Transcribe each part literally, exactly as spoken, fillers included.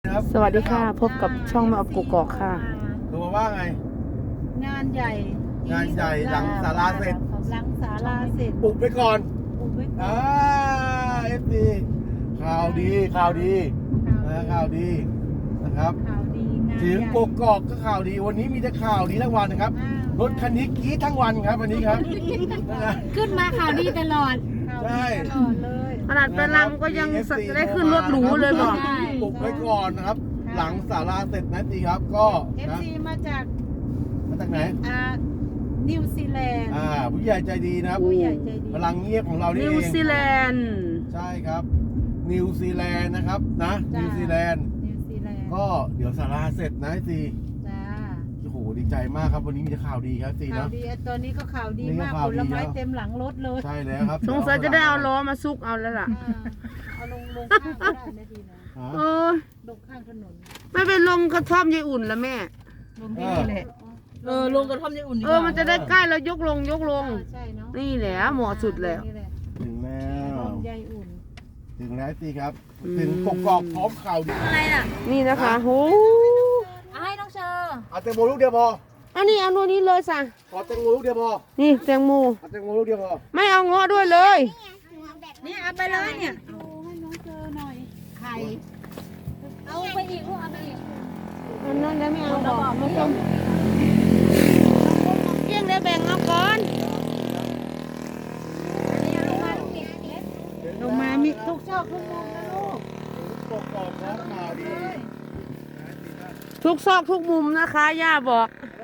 ครับสวัสดีค่ะพบกับช่องแม่อบกุกกอกค่ะดูมาว่าไงงานใหญ่งานใหญ่หลังศาลาเสร็จหลังศาลาเสร็จปลุกไปก่อนปลุกไปก่อนอ่าเอฟซีข่าวดีข่าวดีนะข่าวดีนะครับข่าวดีงานถึงกกอกก็ข่าวดีวันนี้มีแต่ข่าวดีทั้งวันนะครับรถคันนี้กรี๊ดทั้งวันครับวันนี้ครับขึ้นมาข่าวดีตลอดใช่ตลอดเลยขนาดไปลังก็ยังได้ขึ้นรถหรูเลยบอกปลุกไปก่อนนะครับหลังศาลาเสร็จนะตีครับก็เอฟซีมาจากมาจากไหนอ่านิวซีแลนด์อ่าผู้ใหญ่ใจดีนะครับผู้ใหญ่ใจดีพลังเงียบของเรานี่เองนิวซีแลนด์ใช่ครับนิวซีแลนด์นะครับนะนิวซีแลนด์นิวซีแลนด์ก็เดี๋ยวศาลาเสร็จนะซีจ้าโอ้โหดีใจมากครับวันนี้มีแต่ข่าวดีครับซีข่านะวดีตอนนี้ก็ข่าวดีมากผลไม้เต็มหลังรถเลยใช่แล้วครับสงสัยจะได้เอาล้อมาซุกเอาแล้วล่ะเอาลงลงข้างก็ได้ไม่ดีนะเออลงข้างถนนไม่เป็นลงกระท่อมยายอุ่นละแม่ลงที่นี่แหละเออลงกระท่อมยายอุ่นเออมันจะได้ใกล้แล้วยกลงยกลงใช่เนาะนี่แหละเหมาะสุดแล้วถึงแล้วยายอุ่นถึงแล้วซีครับถึงกกอกพร้อมข่าวดีอะไรล่ะนี่นะคะโหเอาให้น้องเชอร์เอาแตงโมลูกเดียวพออันนี้เอาโน่นนี้เลยสั่งขอแตงโมลูกเดียวพอนี่แตงโมเอาแตงโมลูกเดียวพอไม่เอาเงาะด้วยเลยนี่เอาไปเลยเนี่ยเอาให้น้องเจอหน่อยไข่เอาไปอีกลูกเอาไปอีกอันนั้นได้ไม่เอาบอกไม่ต้องเกี่ยงได้แบ่งเอาก่อนลงมามีทุกชอบทุกมุมนะลูกกกอกพร้อมข่าวดีทุกซอกทุกมุมนะคะย่าบอก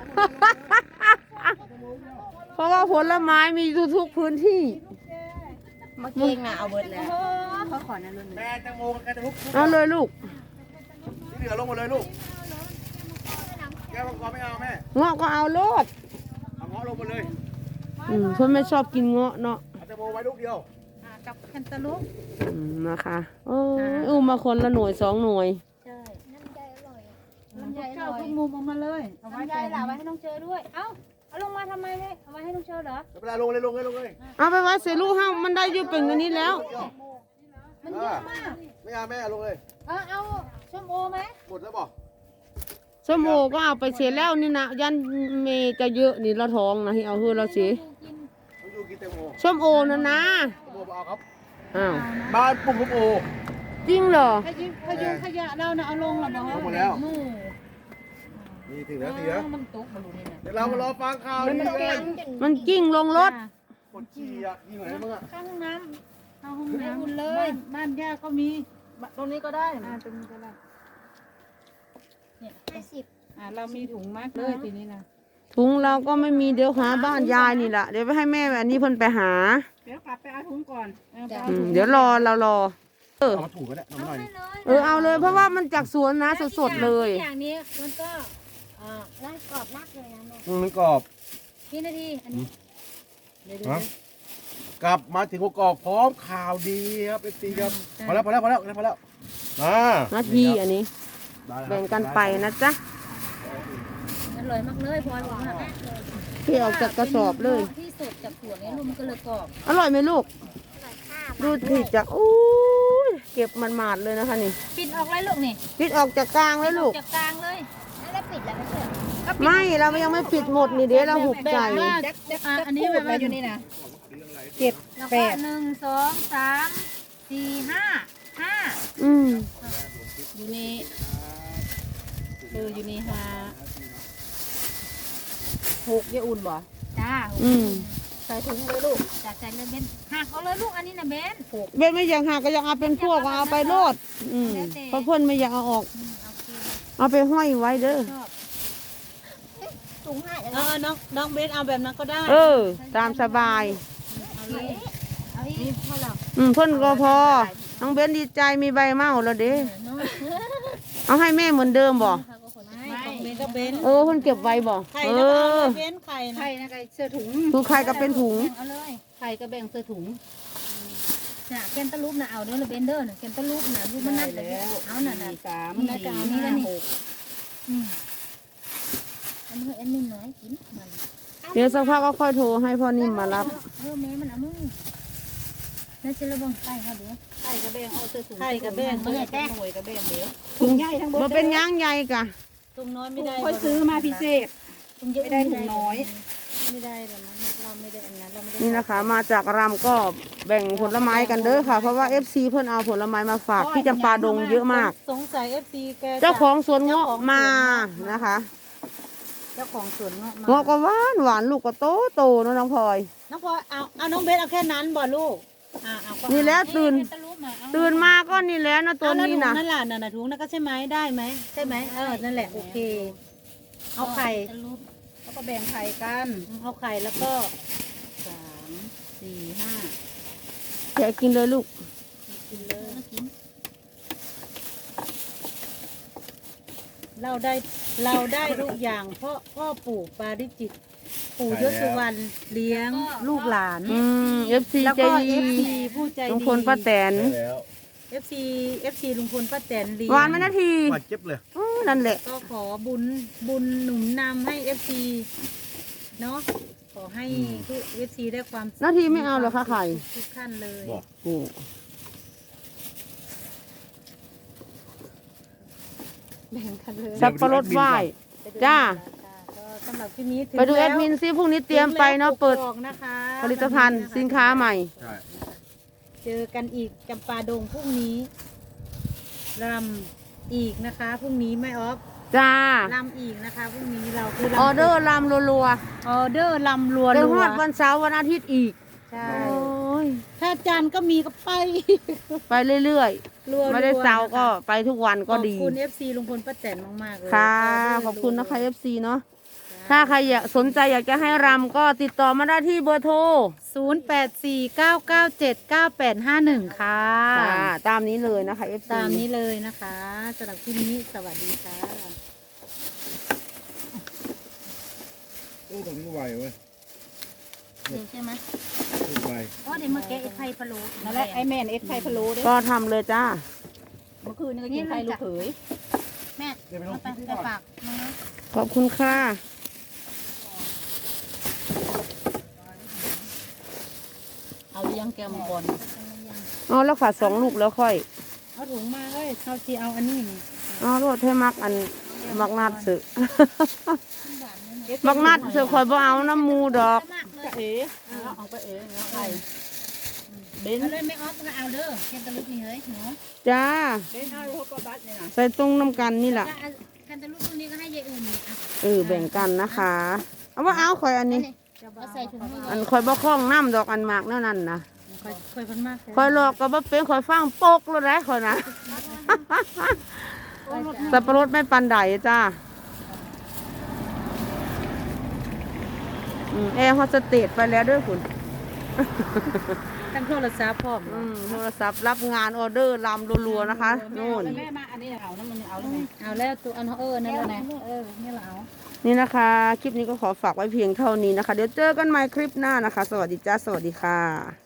เพราะว่าผลไม้มีทุกพื้นที่มาเก่งนะเอาเบิร์ดแล้วเขาขอนั่นเลยแม่แตงโมกันทุกเอาเลยลูกที่เหลือลงมาเลยลูกแก้วมังกรไม่เอาแม่เงาะก็เอาโลดเอาเงาะลงมาเลยอืมเพื่อนไม่ชอบกินเงาะเนาะเอาแตงโมไว้ลูกเดียวกับแคนตาลูปอืมนะคะโอ้อุ้มมาคนละหน่วยสองหน่วยใช่น้ำใจอร่อยน้ำใจอร่อยทุกมุมออกมาเลยเอาไว้ใจหล่าไว้ให้น้องเชอร์ด้วยเอ้าเอาลงมาทำไมเนี่ยเอาไว้ให้น้องเชอร์เหรอเวลาลงเลยลงเลยลงเลยเอาไปไว้เสลูกห้ามันได้ยืดเป็นอันนี้แล้วมันเยอะมากไม่เอาแม่ลงเลยเออเอาส้มโอไหมหมดแล้วบอกส้มโอก็เอาไปเสียแล้วนี่นะยันเมจะเยอะนี่ละท้องนะที่เอาเฮือเราเสียส้มโอนะนะส้มโอเอาครับอ้าวบ้านปุ่มส้มโอจริงเหรอขยุขยุขยะเราเนี่ยเอาลงหรอเนาะลงมาแล้วนี่ถึงแล้วถึงแล้วมันตกมาดูนี่นะเดี๋ยวเรามารอฟังข่าวดีกันมันกิ้งลงรถคนขี่อ่ะขี่ไหนบ้างอ่ะข้างห้องน้ำข้างห้องน้ำเลยบ้านย่าก็มีตรงนี้ก็ได้ตรงนี้ก็ได้เนี่ยห้าสิบอ่าเรามีถุงมากเลยทีนี้นะถุงเราก็ไม่มีเดี๋ยวหาบ้านยายนี่แหละเดี๋ยวไปให้แม่แบบนี้เพิ่นไปหาเดี๋ยวกลับไปเอาถุงก่อนเดี๋ยวรอเรารอเออเอาถูกก็ได้เอาหน่อยเออเอาเลยเพราะว่ามันจากสวนนะสดๆเลยอย่างนี้มันก็อ่าร่างกรอบมากเลยนะแม่มันกรอบกี่นาทีอันนี้กลับมาถึงกกอกพร้อมข่าวดีครับเอฟซีครับพอแล้วพอแล้วพอแล้วพอแล้วมานาทีอันนี้แบ่งกันไปนะจ๊ะอร่อยมากเลยพลอยบอกว่าที่ออกจากกระสอบเลยที่สดจากสวนนี้ลูกมันก็เลยกรอบอร่อยไหมลูกดูที่จะอู้เก็บมันหมาดเลยนะคะนี่ปิดออกเลยลูกนี่ปิดออกจากกลางเลยลูกจากกลางเลยแล้วปิดแล้วไม่เสร็จไม่เรายังไม่ปิดหมดนี่เดี๋ยวเราหุบใจอันนี้แบบว่าอยู่นี่นะเจ็ดแปดหนึ่งสองสามสี่ห้าห้าอืมอยู่นี่คืออยู่นี่ห้าหกยาอุ่นบ่จ้าอืมใส่ถุงเลยลูกจัดใส่เลยเบนหักเอาเลยลูกอันนี้นะเบนเบนไม่อยากหักก็อยากเอาเป็นพวกเอาไปโลดอืมเพราะเพื่อนไม่อยากเอาออกเอาไปห้อยไว้เด้อถุงห้าเออน้องน้องเบนเอาแบบนั้นก็ได้เออตามสบายเอาเลยเอาอีกพอแล้วอืมเพื่อนก็พอน้องเบนดีใจมีใบเมาแล้วเด้เอาให้แม่เหมือนเดิมบ่เออเพิ่นเก็บไว้บ่เออเบ้นไข่ไข่นะไข่เสื้อถุงคือไข่ก็เป็นถุงเอาเลยไข่ก็แบ่งเสื้อถุงน่ะแกนตะลุบน่ะเอาเด้อเลยเบนเดอร์น่ะแกนตะลุบน่ะรูปมันนั่นเลยเอาน่ะน่ะสามนี่กาวนี่แล้วนี่อืมอันนี้อันนี้น้อยกินมันเดี๋ยวสักพักก็ค่อยโทรให้พ่อนิ่มมารับเออแม่มันเอามือนั่นจะระวังไข่เขาเดี๋ยวไข่กระเบงเอาเสื้อถุงไข่กระเบงเมื่อแต่หน่วยกระเบงเดี๋ยวถุงใหญ่ทั้งหมดมันเป็นย่างใหญ่กะตรงน้อยไม่ได้ค่อยซื้อมาพิเศษตรงเยอะไม่ได้ถุงน้อยไม่ได้หรอกมั้งเราไม่ได้อันนั้นเราไม่ได้นี่นะคะ มาจากรำก็แบ่งผลไม้กันเด้อค่ะ เพราะว่า เอฟ ซี เพิ่นเอาผลไม้มาฝากที่จำปาดงเยอะมากสงสัย เอฟ ซี แกจะเจ้าของสวนเงาะมานะคะเจ้าของสวนเงาะมาเงาะก็หวานหวานลูกก็โตโตเนอะน้องพลอยน้องพลอยเอาเอาน้องเบสเอาแค่นั้นบ่ลูกอ่าเอาก็นี่แหละตื่นเอ๊ะแกตะลุกมาเอาตื่นมาก็นี่แหล้วนะตัวเอาแล้วนี้ถุงนะนั่นแหละนั่นน่ะถุงนั่นก็ใช่ไหมได้ไหมใช่ไหมเออนั่นแหละโอเค เอาไข่แล้วก็แบ่งไข่กันเอาไข่แล้วก็สามสี่ห้าแกะกินเลยลูกกินเลยกินเราได้เราได้ทุกอย่างเพราะพ่อปู่ปาริจิต ปู่ยศสุวรรณเลี้ยงลูกหลานอืม เอฟ ซีแล้วใจก็ดีเอฟซีผู้ใจดีลุงพลป้าแตนได้แล้วเอฟซีเอฟซีลุงพลป้าแตนเลี้ยงหวานไหมนาทีหวานเจ็บเลยอือนั่นแหละก็ขอบุญบุญหนุนนำให้เอฟซีเนาะขอให้ทุกเอฟซีได้ความสุขนาทีไม่เอาเหรอคะไข่ทุกท่านเลยบอกโอ้แบ่งกันเลยสับปะรดไหว้ จ้าก็สำหรับที่นี้ถึงไปดูแอดมินซิพรุ่งนี้เตรียมไปเนาะเปิดถึงแล้วกกอกนะคะผลิตภัณฑ์สินค้าใหม่ใช่เจอกันอีกจำปาดงพรุ่งนี้รำอีกนะคะพรุ่งนี้ไม่ออฟจ้าลำอีกนะคะพรุ่งนี้เราคือออเดอร์ลำรัวออเดอร์ลำรัวๆเดี๋ยวรัฮวอดวันเสาร์วันอาทิตย์อีกใช่โอ้ยถ้าจันทร์ก็มีก็ไปไปเรื่อยรัวๆๆไม่ได้เสาร์นะคะก็ไปทุกวันก็ดีขอบคุณ เอฟ ซี ลุงพลป้าแตนมากๆเลยค่ะออเดร์ขอบคุณนะคะรัวเอฟ ซี เนาะๆถ้าใครอยากสนใจอยากจะให้รำก็ติดต่อมาได้ที่เบอร์โทรศูนย์แปดสี่เก้าเก้าเจ็ดเก้าแปดห้าหนึ่งค่ะค่ะตามนี้เลยนะคะ เอฟ ซีตามนี้เลยนะคะสำหรับที่นี้สวัสดีค่ะโอ้ตรงนี้ไวเว้ยเดี๋ยวใช่ไหมไวเพราะเดี๋ยวเมื่อกี้ไอ้ไข่พะโล้นั่นแหละไอแม่นเอ็ดไข่พะโล้เด้อก็ทำเลยจ้าเมื่อคืนนี่ก็กินไข่ลูกเขยแม่เดี๋ยวไปลเอางไปที่ไปก่อนฝากน้องนะขอบคุณค่ะเอาเลี้ยงแกมก่อนเอาแล้วค่ะสองลูกแล้วค่อยเอาถุงมาเอ้ยเขาที่เอาอันนี้เอารถให้มักอันมักนัดสึมักนัดสึคอยบ่เอาน้ำมูดอกจะเอ๋เอาเอาไปเอ๋เอาไข่เบนเอาเลยไม่ออฟก็เอาเด้อแคนตาลูปนี่เฮ้ยหนูจ้าเบนเอาลูกก็บัตเนี่ยนะใส่ตรงน้ำกันนี่แหละแล้วแคนตาลูปพวกนี้ก็ให้ยายอุ่นนี่อ่ะเออแบ่งกันนะคะ เอาว่าเอาคอยอันนี้เอาใส่ถุงให้อันคอยบ่คล้องน้ำดอกอันหมากแนั่นนั่นนะค่อยค่อยพันมากคอยหลอกก็บ่เป็นคอยฟังโปกแล้วได้คอยนะ สับปะรดไม่ปันใดจ้าอืมแอร์โฮสเตสไปแล้วด้วยคุณตั้งโทรศัพท์พร้อมอืมโทรศัพท์รับงานออเดอร์ลำรัวๆนะคะนู่นแม่มาอันนี้เอานะมันเอาเลยเอาแล้วตัวอันเออนั่นแหละนะเออนี่เราเอานี่นะคะ คลิปนี้ก็ขอฝากไว้เพียงเท่านี้นะคะ เดี๋ยวเจอกันใหม่คลิปหน้านะคะ สวัสดีจ้า สวัสดีค่ะ